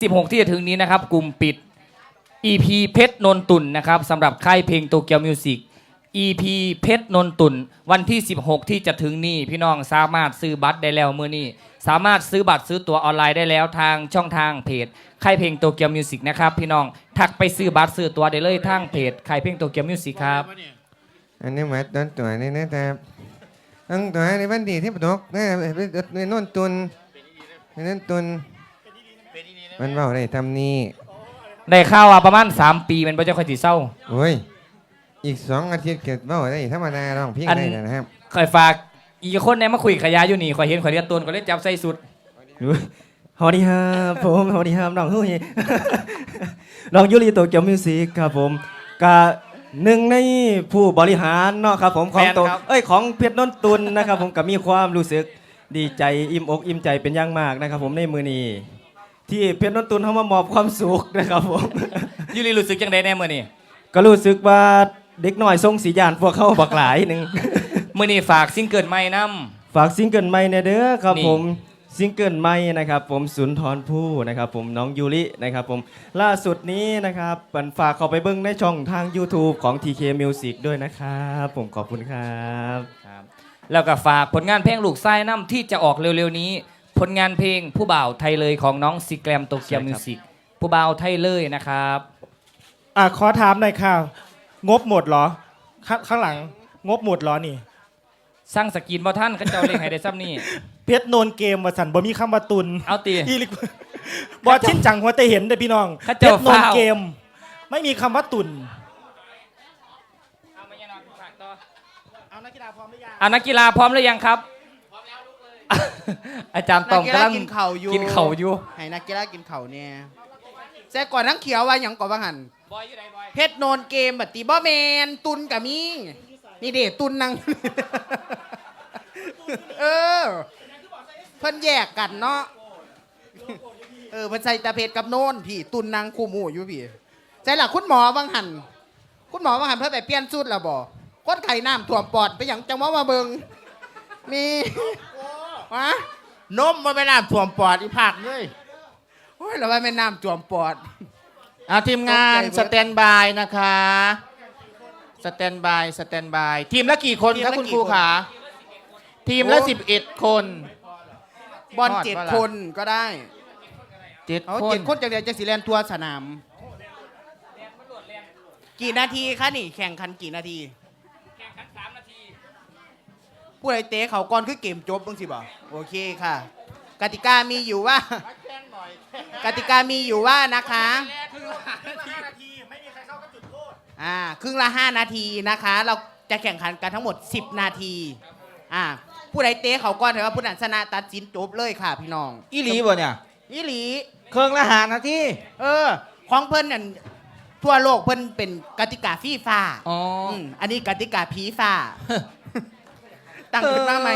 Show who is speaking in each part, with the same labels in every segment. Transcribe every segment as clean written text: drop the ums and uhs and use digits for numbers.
Speaker 1: 16ที่จะถึงนี้นะครับกลุ่มปิด EP เพชรนนตุนนะครับสำหรับค่ายเพลงโตเกียวมิวสิก EP เพชรนนตุนวันที่16ที่จะถึงนี้พี่น้องสามารถซื้อบัตรได้แล้วมื้อนี้สามารถซื้อบัตรซื้อตั๋วออนไลน์ได้แล้วทางช่องทางเพจค่ายเพลงโตเกียวมิวสิกนะครับพี่น้องทักไปซื้อบัตรซื้อตั๋วได้เลยทางเพจค่ายเพลงโตเกียวมิวสิกครับ
Speaker 2: อันนี้หมายต้นตัวนี่นะครับตั้งตัวในวันดีที่ประตกนะในโน่นตุนในนั่นตุนมันเบาได้ทำนี่
Speaker 1: ได้ข่าวว่าประมาณ3ปีมันบ่จะค่อยสิเศร้า
Speaker 2: โอ้ยอีก2 อาทิตย์เกิดเบาได้ธรรมดาร้องเพลงได้นะครับ
Speaker 1: คอยฝากอีกคนเนี่ยมาคุยขยายอยู่นี่คอยเห็นคอยเรียนตูนคอยเล่นจับใส่สุด
Speaker 3: สวัสดีครับผมสวัสดีครับน้องเฮ้ยน้องยูริโตเกียวมิวสิกครับผมกะหนึ่งในผู้บริหารเนาะครับผมของโตของเพชรนนตุนนะครับผมก็มีความรู้สึกดีใจอิ่มอกอิ่มใจเป็นอย่างมากนะครับผมในมือนี้ที่เพชรนนตุนเขามามอบความสุขนะครับผม
Speaker 1: ยูริรู้สึกยังไงแน่มือนี่
Speaker 3: ก็รู้สึกว่าเด็กน้อยทรงสียานพวกเขาบักหลายหนึ่ง
Speaker 1: มือนี่ฝากซิงเกิลใหม่น
Speaker 3: ำฝากซิงเกิลใหม่ในเด้อครับผมซิงเกิลใหม่นะครับผมสุนทรภู่นะครับผมน้องยูรินะครับผมล่าสุดนี้นะครับฝากเข้าไปเบิ้งในช่องทาง YouTube ของ TK Music ด้วยนะครับผมขอบคุณครับ
Speaker 1: แล้วก็ฝากผลงานเพลงลูกไส้น้ำที่จะออกเร็วๆนี้ผลงานเพลงผู้บ่าวไทยเลยของน้องซีแกรมโตเกียวมิวสิกผู้บ่าวไทยเลยนะครับ
Speaker 4: ขอถามหน่อยค่ะงบหมดเหรอข้างหลังงบหมดเหรอนี่
Speaker 1: สร้างสกินบ่ท่านก็เจ้าเลขให้ได้ซ้ำนี่
Speaker 4: เพชรโนนเกมว่าสันบ่มีคำว่าตุน
Speaker 1: เอาตี
Speaker 4: บอชิ้นจังหัวแต่เห็นเด้อพี่น้องเพชรโนนเกมไม่มีคำว่าตุน
Speaker 1: เอานักกีฬาพร้อมหรือยังนักกีฬาพร้อมหรือยังครับพร้อมแล้วลุกเลยอาจารย์ตองกำลังกินเข่าอยู่
Speaker 5: ให้นักกีฬากินเข่าเนี่ยแซ่ก่อนนักเขียวว่าอย่างก่อนว่าหันเพชรโนนเกมแบบตีบอแมนตุนกับมีนี่เด็ตุนนางเพิ่นแยกกันเนาะเพิ่นใส่ตาเพชรกับโนนพี่ตุนนางคู่หมู่อยู่พี่ใจหลักคุณหมอวังหันเพิ่นไปเปลี่ยนชุดแล้วบ่คนไข้น้ำท่วมปอดไปอย่างจังหวะมาเบิงมีวะ
Speaker 6: นมมาไปน้ำท่วมปอดอีภาคเลย
Speaker 5: โอ้ยเราว่าแม่น้ำท่วมปอด
Speaker 6: ทีมงานสแตนบายนะคะสแตนบายทีมละกี่คนครับคุณครูขาทีมละ11 คน
Speaker 5: บอล7 คนก็ได้
Speaker 6: 7
Speaker 5: คนจากเดียวจะสีแลนทัวร์สนามกี่นาทีคะนี่แข่งขันกี่นาที
Speaker 1: แข่งขัน3 นาที
Speaker 5: ผู้ใดเตะเขาก่อนคือเกมจบบ้างสิบ่โอเคค่ะกติกามีอยู่ว่านะคะครึ่งละ5 นาทีนะคะเราจะแข่งขันกันทั้งหมด10 นาทีผู้ใดเตะเขาก่อนถือว่าผู้นั้นชนะตัดสินจบเลยค่ะพี่น้อง
Speaker 6: อีหลีบ่เนี่ย
Speaker 5: อีหลี
Speaker 6: ครึ่งละ5 นาที
Speaker 5: ของเพิ่นนั่นทั่วโลกเพิ่นเป็นกติกาฟีฟ่าอันนี้กติกาผีฟ้าตั้งขึ้นมาไหม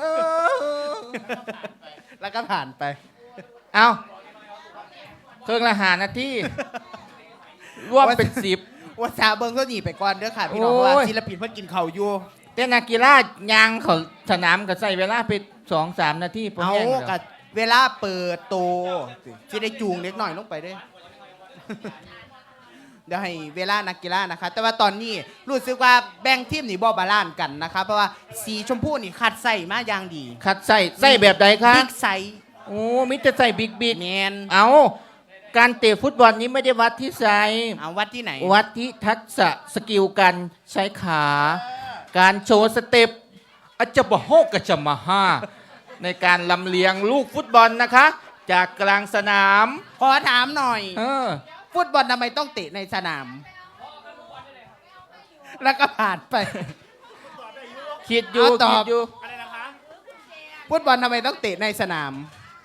Speaker 5: แล้วก็ผ่านไป
Speaker 6: เอาครึ่งละ5 นาทีรวมเป็น10
Speaker 5: ว่าซาเบิ้งก็หนีไปก่อนเด้อค่ะพี่น้องว่าศิลปินเพิ่นกินเข่าอยู่
Speaker 6: แต่นักกีฬายางเขาสนามก็ใส่เวลาไป 2-3 นาที
Speaker 5: เอากับเวลาเปิดโตที่ได้จูงเล็กหน่อยลงไปด้วยเดี๋ยวให้เวลานักกีฬานะคะแต่ว่าตอนนี้รู้สึกว่าแบ่งทีมนี่บ่บาลานซ์กันนะคะเพราะว่าสีชมพูนี่คัดใส่มาอย่างดี
Speaker 6: คัดใส่แบบใดคะ
Speaker 5: บิ๊กไซส์
Speaker 6: โอ้มิจะใส่บิ๊ก
Speaker 5: แมน
Speaker 6: เอาการเตะฟุตบอลนี้ไม่ได้วัดที่ไซส์
Speaker 5: วัดที่ไหน
Speaker 6: วัดที่ทักษะสกิลการใช้ขาการโชว์สเต็ปอาจจะบ่โฮกกะจะมาห้าในการลำเลียงลูกฟุตบอลนะคะจากกลางสนาม
Speaker 5: ขอถามหน่อยฟุตบอลทำไมต้องเตะในสนามแล้วก็ผ่านไป
Speaker 6: คิดอยู่
Speaker 5: ฟุตบอลทำไมต้องเตะในสนาม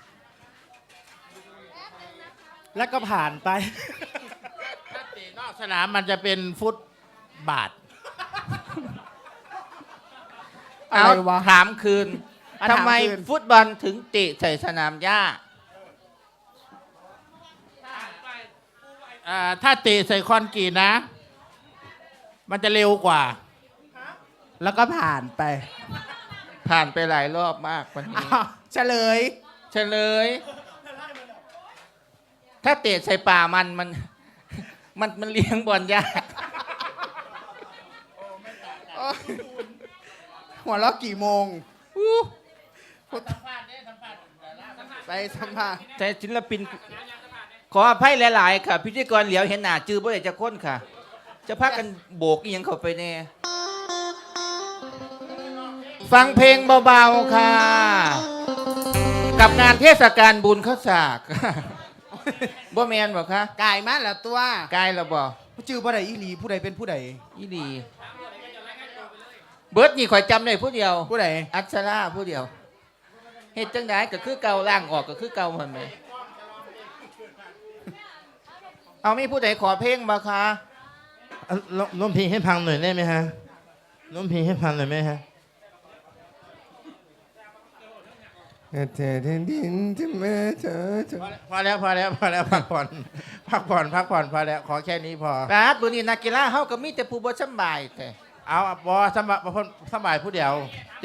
Speaker 4: แล้วก็ผ่านไป
Speaker 6: ถ้าเตะนอกสนามมันจะเป็นฟุตบาทเอาถามคืนทำไมฟุตบอลถึงเตะใส่สนามหญ้าถ้าเตะใส่คอนกรีตนะ มันจะเร็วกว่า
Speaker 5: แล้วก็ผ่านไป
Speaker 6: หลายรอบมากวันนี้
Speaker 5: เฉลย
Speaker 6: ถ้าเตะใส่ป่ามันมันเลี้ยงบอลยาก
Speaker 5: หัวเราะกี่โมงไปสัมภาษณ์
Speaker 6: แต่ศิลปินขออภัยหลาย ๆ ค่ะ พิธีกรเหลียวเห็นหน้าจื้อบ่ได้จะค้นค่ะ จะพากันโบกอีหยังเข้าไปแน่ ฟังเพลงเบา ๆ ค่ะ กับงานเทศกาลบุญข้าวสาก บ่แมนบ่คะ
Speaker 5: กายมาแล้วตัว
Speaker 6: กายเราบ่
Speaker 5: ชื่อผู้ใดอีหลีผู้ใดเป็นผู้ใด
Speaker 6: อีดี เบิร์ดนี่ข่อยจำได้ผู้เดียว
Speaker 5: ผู้ใด
Speaker 6: อัชราผู้เดียวเฮ็ดจังไดก็คือเก่าล่างออกก็คือเก่ามันไหมเอามีผู้ใดขอเพลงบ่คะ
Speaker 7: ร้องเพลงให้ฟังหน่อยได้ไหมฮะร้องเพลงให้ฟังหน่อยไหมฮะ
Speaker 2: เธอแผ่นดินจะมาเธอ
Speaker 7: พอแล้วพักผ่อนพอแล้วขอแค่นี้พอ
Speaker 6: ปาดบุนี้นักกีฬาเฮาก็มีแต่ผู้บ่สำบายแต่
Speaker 7: เอาบอสบายผู้เดียว
Speaker 6: ติ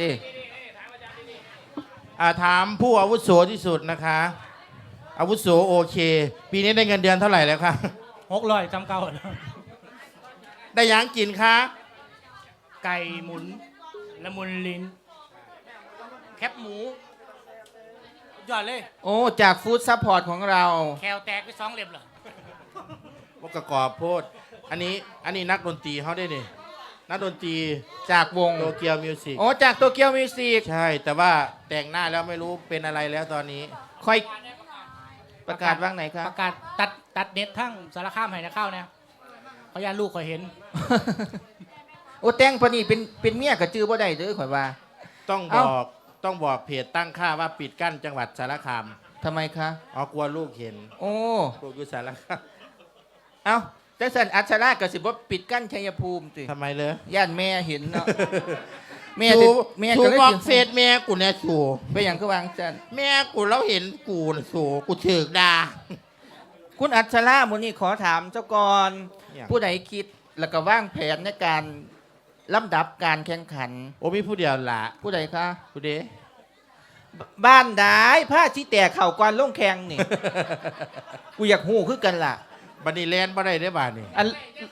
Speaker 7: ถามผู้อาวุโสที่สุดนะคะ อาวุโสโอเค ปีนี้ได้เงินเดือนเท่าไหร่แล้วคะ
Speaker 4: 600จำเก่า
Speaker 7: ได้หยังกินคะ
Speaker 4: ไก่หมุนละมุนลิ้น แคบหมูยอดเลย
Speaker 6: โอ้จากฟู้ดซัพพอร์ตของเรา
Speaker 4: แคลแตกไป2 เล่มเหรอ
Speaker 7: พวกกระกอบโพดอันนี้นักดนตรีเขาได้ดินักดนตรี
Speaker 6: จากวง
Speaker 7: โตเกียวมิวสิก
Speaker 6: โอ้จากโตเกียวมิวสิก
Speaker 7: ใช่แต่ว่าแต่งหน้าแล้วไม่รู้เป็นอะไรแล้วตอนนี้
Speaker 6: ค่อยประกาศว่างไหนครับ
Speaker 4: ประกาศตัดเน็ตทั้งสารคามให้นะเข้าเนี่ยขอญาตลูกขอเห็น
Speaker 6: โอ้แต่งปานนี้เป็นเมียก็จื้อบ่ได้เด้อข่อยว่า
Speaker 7: ต้อง
Speaker 6: เอ้า
Speaker 7: บอกเพจตั้งค่าว่าปิดกั้นจังหวัดสารคาม
Speaker 6: ทำไมคะ
Speaker 7: อ๋อกลัวลูกเห็น
Speaker 6: โอ้
Speaker 7: ลูกอยู่สารคาม
Speaker 6: เอ้าจังสันอัชราก็สิบ่ปิดกั้นชัยภูมิติ
Speaker 7: ทำไมเลย
Speaker 6: ย่านแม่เห็นเนาะ แม่
Speaker 7: ชู
Speaker 6: แม่
Speaker 7: ชู
Speaker 6: ก็เลย
Speaker 7: บอก
Speaker 6: สิ
Speaker 7: เฟซแม่กูเนี่ยชู
Speaker 6: ไปหยังคือวางจัน
Speaker 7: แม่กูแล้วเห็นกูน่ะชูกูถึกด่า
Speaker 6: คุณอัชรามื้อนี้ขอถามเจ้าก่อน
Speaker 7: อย่าง
Speaker 6: ผู้ใดคิดแล้วก็วางแผนในการลำดับการแข่งขัน
Speaker 7: โอ้มีผู้เดียวละ
Speaker 6: ผู้ใดคะ
Speaker 7: ผู้เด้
Speaker 6: บ้านใดผ้าชี้แตกเข่าก่อนลงแข่งนี่ กูอยากฮู้คือกันล่ะ
Speaker 7: บันนี้แลนบ่ได้ได้บ้านนี่
Speaker 6: อัน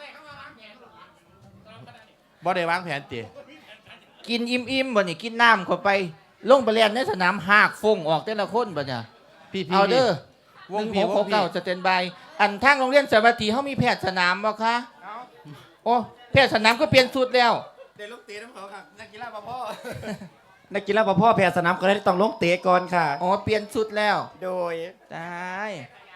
Speaker 7: บ่ได้วางแผนติ
Speaker 6: กินอิ่มๆบ่นี่กินน้ำเข้าไป ลงไปเรียนในสนามหากฟงออกแต่ละคนบ่เนี่ย
Speaker 7: พี่
Speaker 6: เอาเด้อ
Speaker 7: วงพี่
Speaker 6: 1669สแตนบายอันทางโรงเรียนสวัสดีเฮามีแพทย์สนามบ่คะโอ้แพทย์สนามก็เปลี่ยนชุดแล้ว
Speaker 7: เด็กลูกตีน้ำเขาค่ะนักกีฬาพ่อ
Speaker 3: นักกีฬาพ่อแพ้สนามก็เลยต้องลงเตะก่อนค่ะ
Speaker 6: อ๋อเปลี่ยนชุดแล้ว
Speaker 3: โดย
Speaker 6: ตาย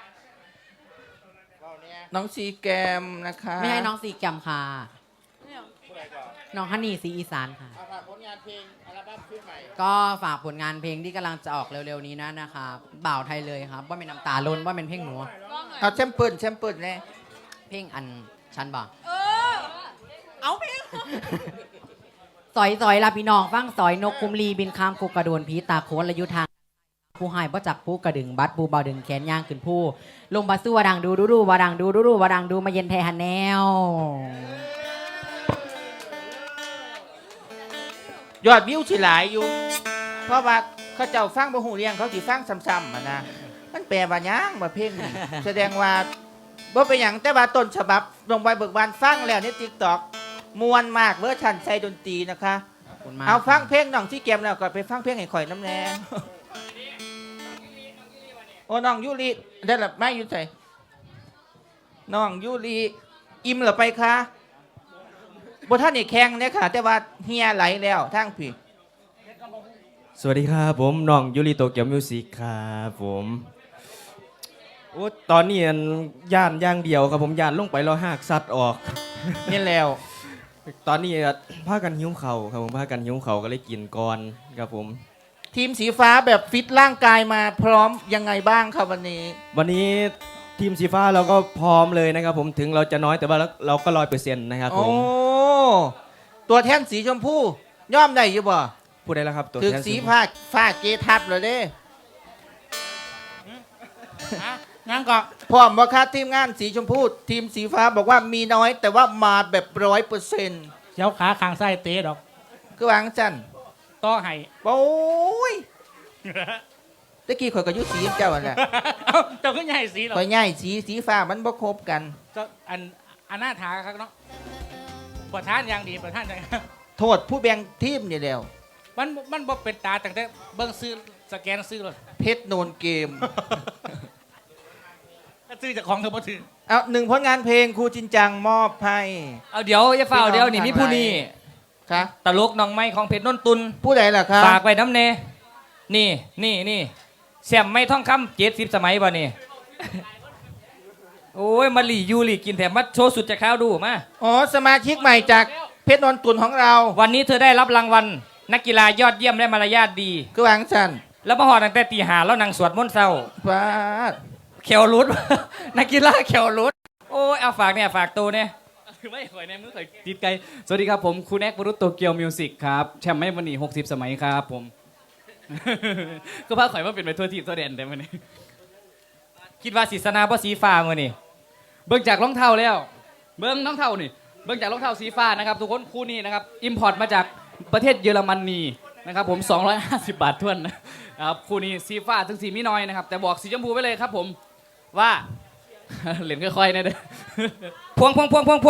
Speaker 6: น้องซีแกมนะคะ
Speaker 8: ไม่ใช่น้องสีแกรมค่ะ น้องฮันนี่สีอีสานค่ะ
Speaker 7: ฝากผลงานเพลงอัลบั้มชุดใหม่
Speaker 8: ก็ฝากผลงานเพลงที่กำลังจะออกเร็วๆนี้นะคะบ่าวไทยเลยครับ ว่าเป็นน้ำตาล้นว่าเป็นเพลงหนู
Speaker 6: เอาแชมเปิลแน่
Speaker 8: เพลงอันชันบอกเอาเพลง สอยลาพี่น้องฟังสอยนกคุมลีบินข้ามกุกกระโดนผีตาโคนระยุทางผู้หายบ่จักผู้กระดึงบัดผู้เบาดึงแขนย่างขึ้นผู้ลงบาสู้วาดังดูวาดังดูวาดังดูมาเย็นไทยฮันแนว
Speaker 6: ยอดวิวสิหลายอยู่ เพราะว่าเขาเจ้าฟังบ่ฮู้เรื่องเขาสิฟังซ้ำๆอะนะมันแปลว่าหยังว่าเพลงนี้ แสดงว่าบ่เป็นหยังแต่ว่าต้นฉบับลงไปเบิกบานฟังแล้วใน TikTok มวนมากเวอร์ชันใส่ดนตรีนะคะ
Speaker 8: ขอบคุณมาก
Speaker 6: เอาฟังเพลงน้องซีแกมแล้วก็ไปฟังเพลงให้ข่อยน้ำแน่ โอ้น้องยูริได้หรือไม่อยู่ใส่น้องยูริอิ่มหรือไปคะบท่านนี่แข่งเนี่ยค่ะ แต่ว่าเฮียไหลแล้วทั้งพี่
Speaker 3: สวัสดีครับผมน้องยูริโตเกียวมิวสิกครับผมโอ้ตอนนี้อันย่านอย่างเดียวครับผมย่านลงไปแล้วหากสัตว์ออก
Speaker 6: นี่แล้ว
Speaker 3: ตอนนี้พากันหิ้วเข่าวครับผมพากันหิ้วเข่าวก็เลยกินก่อนครับผม
Speaker 6: ทีมสีฟ้าแบบฟิตร่างกายมาพร้อมยังไงบ้างครับวันนี้
Speaker 3: วันนี้ทีมสีฟ้าเราก็พร้อมเลยนะครับผมถึงเราจะน้อยแต่ว่าเราก็100%นะครับผ
Speaker 6: โอ้
Speaker 3: ม
Speaker 6: ตัวแทนสีชมพูย่อมได้อยู่บ่
Speaker 3: พูดได้แล้วครับตัว
Speaker 6: ถึก
Speaker 3: แทน
Speaker 6: สีฟ้าเกทับเลยเด้
Speaker 4: งั้นก็
Speaker 6: พร้อมว่าค่าทีมงานสีชมพูทีมสีฟ้าบอกว่ามีน้อยแต่ว่ามาแบบ100%
Speaker 4: เจ้าขาข้างซ้ายเตะดอก
Speaker 6: คือวางจัน
Speaker 4: ต่อให้
Speaker 6: โอ้ยตะกี้ข่อยก็อยุสีเจ้าอันแหละ
Speaker 4: เอ้าเจ้าก็ใหญ่สีเหรอ
Speaker 6: ข่อยง่ายสีฟ้ามันบ่ครบกัน
Speaker 4: เจ้าอันหน้าถาครับเนาะประธานอย่างดีประธานอย่าง
Speaker 6: โทษผู้แบ่งทีมนี่แล้ว
Speaker 4: มันบ่เป็นตาตั้งแต่เบิ่งซื้อสแกนซื้อเลย
Speaker 6: เพชรโนนเกม
Speaker 4: ถ้าซื้อจากของเธอบ่ถือ
Speaker 6: เอาหนึ่งผลงานเพลงครูจินจังมอบให้
Speaker 1: เอาเดี๋ยวอย่าเฝ้าเดี๋ยวนี่มีผู้นี้
Speaker 6: ค่ะ
Speaker 1: ตลกน้องไม้ของเพชรนนตุน
Speaker 6: ผู้ใดล่ะครับ
Speaker 1: ฝากไว้น้ำเนนี่แซมไม่ท่องคำ70 สมัยบ่นี่ โอ้ยมาหลียูหลีกินแถมมาโชว์สุดจะข้าวดูมา
Speaker 6: อ๋อสมาชิกใหม่จากเพชรโนนตุนของเรา
Speaker 1: วันนี้เธอได้รับรางวัลนักกีฬายอดเยี่ยมและมารยาทดี
Speaker 6: คือวางสัน
Speaker 1: แล้วมาหอดตั้งแต่ตีหาแล้วนางสวดมนต์เศร้า
Speaker 6: ฟาด
Speaker 1: เขียวรุด นักกีฬาเขียวรุดโอ้ยเอาฝากเนี่ยฝากตัวเนี่ย
Speaker 9: ไม่ข่อยในมือข่อยติดไกลสวัสดีครับผมคุณแอกวรุตโตเกียวมิวสิกครับแชมป์ไม่วันนี้60 สมัยครับผม ก็พาข่อยมาเป็นไปทั่วทีมทั่วแดนแต่วันนี้
Speaker 1: คิดว่าศิษนาเพราะสีฟ้ามือนี่
Speaker 9: เบิ่งจากรองเท้าแล้ว เบิ่งรองเท้านี่เบิ่งจากรองเท้าสีฟ้านะครับทุกคนคู่นี้นะครับอิมพอร์ตมาจากประเทศเยอรมนีนะครับผม250 บาททวนนะครับคู่นี้สีฟ้าถึงสีมิน้อยนะครับแต่บอกสีชมพูไปเลยครับผมว่า เหรียญค่อยๆนะเด้อ
Speaker 1: พวง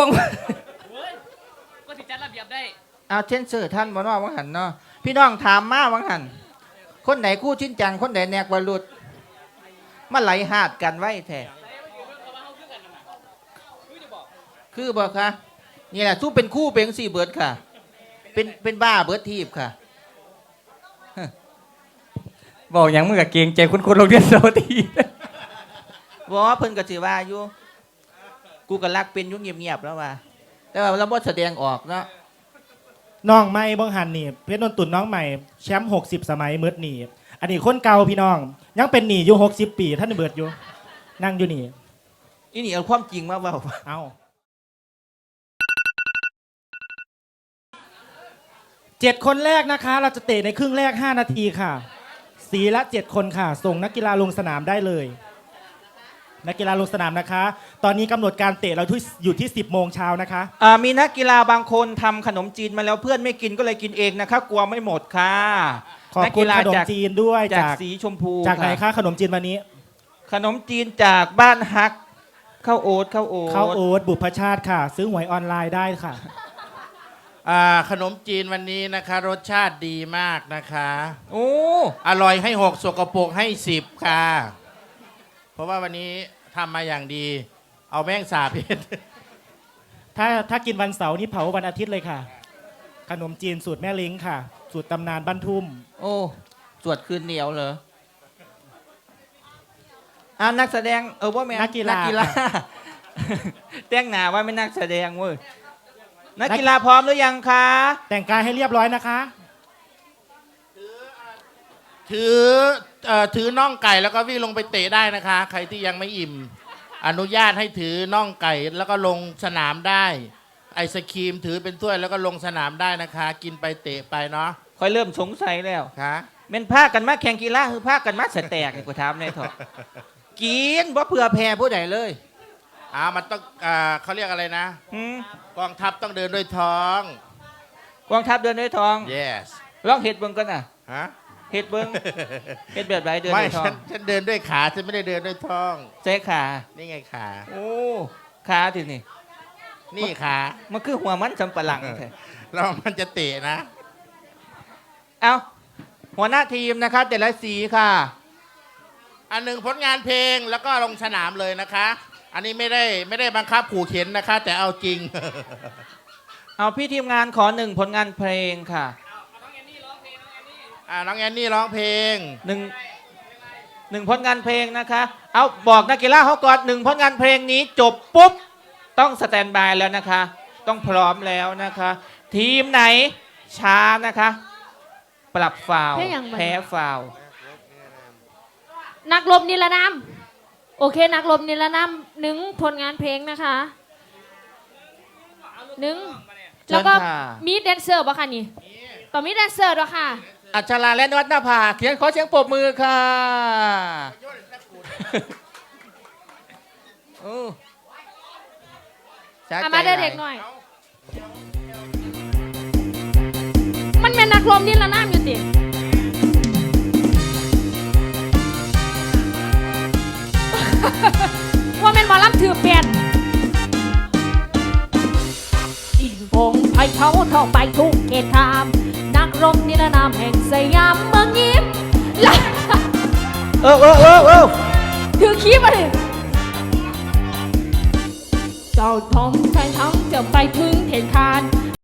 Speaker 9: ก็สิจัดระเบียบได้
Speaker 6: เอาเช่นเสือท่านบ่เนอวังหันเนาะพี่น้องถามมาวังหันคนไหนคู่ชินจังคนไหนแนกวรุษมาไหลหาดกันไว้แท้คือบอกคะนี่แหละสู้เป็นคู่เป็นสี่เบิร์ดค่ะ เป็นบ้าเบิร์ดทีบค่ะ
Speaker 1: บอกอย่างมึงกับเกรงใจคุณโรงเรียนโซที
Speaker 6: ว่าเพิ่นก็สิว่าอยู่กูก็รักเป็นอยุ่งเงียบๆแล้วว่า แต่ว่าเราบ่แสดงออกเนาะ
Speaker 10: น้องใหม่บังหันนี่เพชรนนตุนน้องใหม่แชมป์60 สมัยมืดหนีอันนี้คนเก่าพี่น้อง ยังเป็นหนีอยู่60 ปีท่านเบิดอยู่ นั่งอยู่นี่
Speaker 6: อีนี่เอาความจริงมาเว้า
Speaker 10: เอา7 คนแรกนะคะ เราจะเตะในครึ่งแรก 5 นาทีค่ะ สีละ 7 คนค่ะ ส่งนักกีฬาลงสนามได้เลย นักกีฬาลงสนามนะคะ ตอนนี้กำหนดการเตะเราอยู่ที่ 10 โมงเช้านะคะ
Speaker 6: มีนักกีฬาบางคนทำขนมจีนมาแล้วเพื่อนไม่กินก็เลยกินเองนะคะกลัวไม่หมดค่ะ
Speaker 10: ขอบคุณขนมจีนด้วย
Speaker 6: จากสีชมพู
Speaker 10: จากไหนคะขนมจีนวันนี้
Speaker 6: ขนมจีนจากบ้านฮักข้าวโอ๊ต
Speaker 10: ข้าวโอ๊ตบุพชาติค่ะ ซื้อหวยออนไลน์ได้ค่ะ
Speaker 7: ขนมจีนวันนี้นะคะ รสชาติดีมากนะคะ
Speaker 6: โอ้
Speaker 7: อร่อยให้ 6 สกปรกให้ 10 ค่ะ เพราะว่าวันนี้ทำมาอย่างดี เอาแม่งสาบเพชร
Speaker 10: ถ้ากินวันเสาร์นี่เผาวันอาทิตย์เลยค่ะ ขนมจีนสูตรแม่เล้งค่ะ สูตรตำนานบ้านทุ่ม
Speaker 6: โอ้สวดคืนเหนียวเหรอนักแสดงว่าแม่
Speaker 10: นักกีฬา
Speaker 6: แต่งหน้าว่าไม่นักแสดงเว้ยนักกีฬาพร้อมหรือยังคะ
Speaker 10: แต่งกายให้เรียบร้อยนะคะ
Speaker 7: ถือน่องไก่แล้วก็วิ่งลงไปเตะได้นะคะ ใครที่ยังไม่อิ่ม อนุญาตให้ถือน่องไก่แล้วก็ลงสนามได้ ไอศครีมถือเป็นถ้วยแล้วก็ลงสนามได้นะคะ กินไปเตะไปเนาะ
Speaker 6: ค่อยเริ่มสงสัยแล้ว
Speaker 7: ค่ะ
Speaker 6: เป็นภาคกันมาแข่งกีฬาคือภาคกันมาสแตกกูถามเลยเถอะกินว่าเผื่อแพ้ผู้ใดเลย
Speaker 7: มันต้องเขาเรียกอะไรนะ
Speaker 6: หืม
Speaker 7: กองทัพต้องเดินด้วยท้อง
Speaker 6: กองทัพเดินด้วยทอง
Speaker 7: yes
Speaker 6: ลองเห็ดเบิ้งกันน่ะ
Speaker 7: ฮะ
Speaker 6: เห็ดเบิ้งเห็ดแบบไรเดิน
Speaker 7: ไม่
Speaker 6: ด้วยทอง
Speaker 7: ฉันเดินด้วยขาฉันไม่ได้เดินด้วยท้อง
Speaker 6: ใช้ขา
Speaker 7: นี่ไงขา
Speaker 6: โอ้ขาทีนี่
Speaker 7: นี่ขา
Speaker 6: มันคือหัวมันสำปะหลังแท้
Speaker 7: แล้วมันจะเตะนะ
Speaker 6: เอาหัวหน้าทีมนะครับแต่ละสีค่ะ
Speaker 7: อันหนึ่งผลงานเพลงแล้วก็ลงสนามเลยนะคะ อันนี้ไม่ได้บังคับขู่เข็นนะคะ แต่เอาจริง
Speaker 6: เอาพี่ทีมงานขอหนึ่งผลงานเพลงค่ะ
Speaker 7: น้องแอนนี่ร้องเพลง
Speaker 6: หนึ่งผลงานเพลงนะคะ เอาบอกนักกีฬาเขาก่อนหนึ่งผลงานเพลงนี้จบปุ๊บต้องสแตนบายแล้วนะคะ ต้องพร้อมแล้วนะคะ ทีมไหนช้านะคะ ปรับฟาวล์
Speaker 11: เพลงอย่างไร
Speaker 6: แพ้ฟาวล์
Speaker 11: นักรบนิรนามโอเค นักรบนิรนามหนึ่งผลงานเพลงนะคะหนึ่งแล้วก็มีแดนเซอร์ป่ะคะนี่ต่อมีแดนเซอร์ด้วยค่ะ
Speaker 6: อัชราและนวัฒนภาขอเสียงปรบมือค่ะโอ้สะใจ
Speaker 11: มาเด็กๆหน่อย มันเป็นนักรบนิรนามอยู่ติว่าแม่นหมอลำถือเปลี่ยนอีวงไผ่เขาท่องไปทุกเขตขามนักรบนิรนามแห่งสยามเมืองยิ้มและ ถือคีบมาดิเจ้าทองใช้ทั้งจะไปถึงเขตคาน